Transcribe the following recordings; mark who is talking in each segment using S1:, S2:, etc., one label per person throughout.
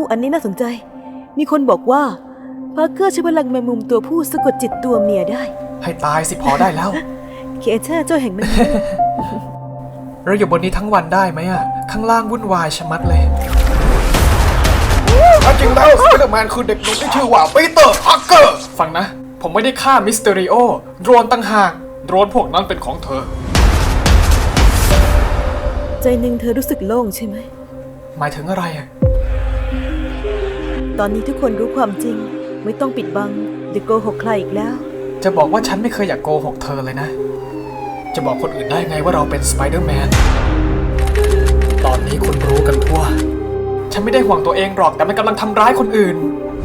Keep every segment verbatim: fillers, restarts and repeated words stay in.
S1: อันนี้น่าสนใจมีคนบอกว่าพาร์เกอร์ใช้พลังแมงมุมตัวผู้สะกดจิตตัวเมียได้
S2: ให้ตายสิพอได้แล้ว
S1: เคเชอร์เจ้าแห่งแมงมุม
S2: เราอยู่บนนี้ทั้งวันได้ไหมอะข้างล่างวุ่นวายชะมัดเลยจริงแล้วสไปเดอร์แมนคือเด็กหนุ่มที่ชื่อว่าปีเตอร์พาร์เกอร์ฟังนะผมไม่ได้ฆ่ามิสเตอริโอโดรนตั้งหากโดรนพวกนั้นเป็นของเธอ
S1: ใจหนึ่งเธอรู้สึกโล่งใช่ไหม
S2: หมายถึงอะไรอะ
S1: ตอนนี้ทุกคนรู้ความจริงไม่ต้องปิดบังหรือโกหกใครอีกแล้ว
S2: จะบอกว่าฉันไม่เคยอยากโกหกเธอเลยนะจะบอกคนอื่นได้ไงว่าเราเป็นสไปเดอร์แมนตอนนี้คุณรู้กันทั่วฉันไม่ได้ห่วงตัวเองหรอกแต่มันกำลังทำร้ายคนอื่น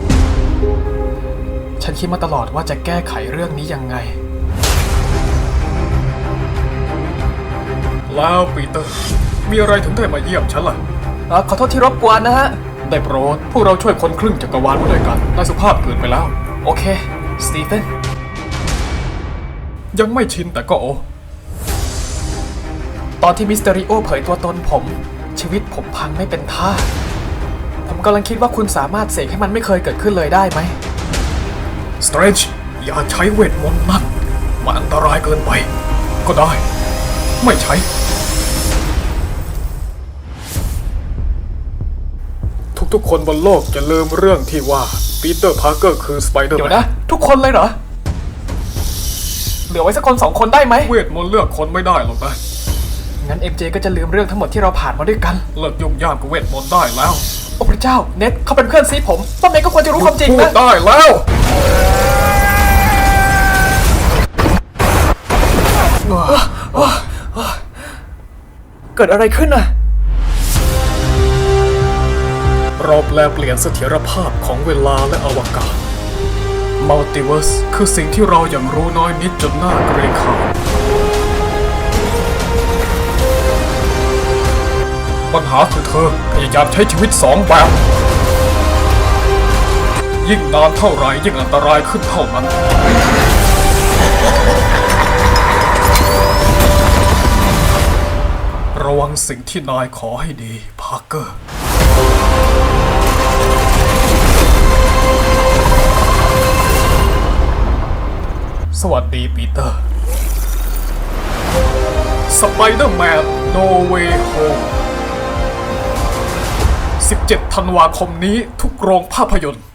S2: ฉันคิดมาตลอดว่าจะแก้ไขเรื่องนี้ยังไงแล้วปีเตอร์มีอะไรถึงได้มาเยี่ยมฉันล่ะขอโทษที่รบกวนนะฮะได้โปรดพวกเราช่วยคนครึ่งจักรวาลมาด้วยกันน่าสุภาพเกินไปแล้วโอเคสตีเฟนยังไม่ชินแต่ก็โอตอนที่มิสเตอริโอเผยตัวตนผมชีวิตผมพังไม่เป็นท่าผมกำลังคิดว่าคุณสามารถเสกให้มันไม่เคยเกิดขึ้นเลยได้ไหมสเตรนจ์อย่าใช้เวทมนต์นั่นมันอันตรายเกินไปก็ได้ไม่ใช้ทุกๆคนบนโลกจะลืมเรื่องที่ว่าปีเตอร์พาร์เกอร์คือสไปเดอร์แมนเดี๋ยวนะทุกคนเลยเหรอเหลือไว้สักคนสองคนได้ไหมเวทมนต์เลือกคนไม่ได้หรอกนะงั้น เอ็ม เจ ก็จะลืมเรื่องทั้งหมดที่เราผ่านมาด้วยกันเลิกยุ่งยากกับเวทมนต์ได้แล้วโอ้พระเจ้าเน็ตเขาเป็นเพื่อนซีผมต้นเน็ตก็ควรจะรู้ความจริงนะพูดได้แล้วเกิดอะไรขึ้นน่ะเราแปลเปลี่ยนเสถียรภาพของเวลาและอวกาศมัลติเวิร์สคือสิ่งที่เรายังรู้น้อยนิดจนน่าเกรงขามปัญหาคือเธอพยายามใช้ชีวิตสองแบบยิ่งนานเท่าไรยิ่งอันตรายขึ้นเท่านั้นระวังสิ่งที่นายขอให้ดีพาร์เกอร์สวัสดีปีเตอร์สไปเดอร์แมนโนเวย์โฮมสิบเจ็ดธันวาคมนี้ทุกโรงภาพยนตร์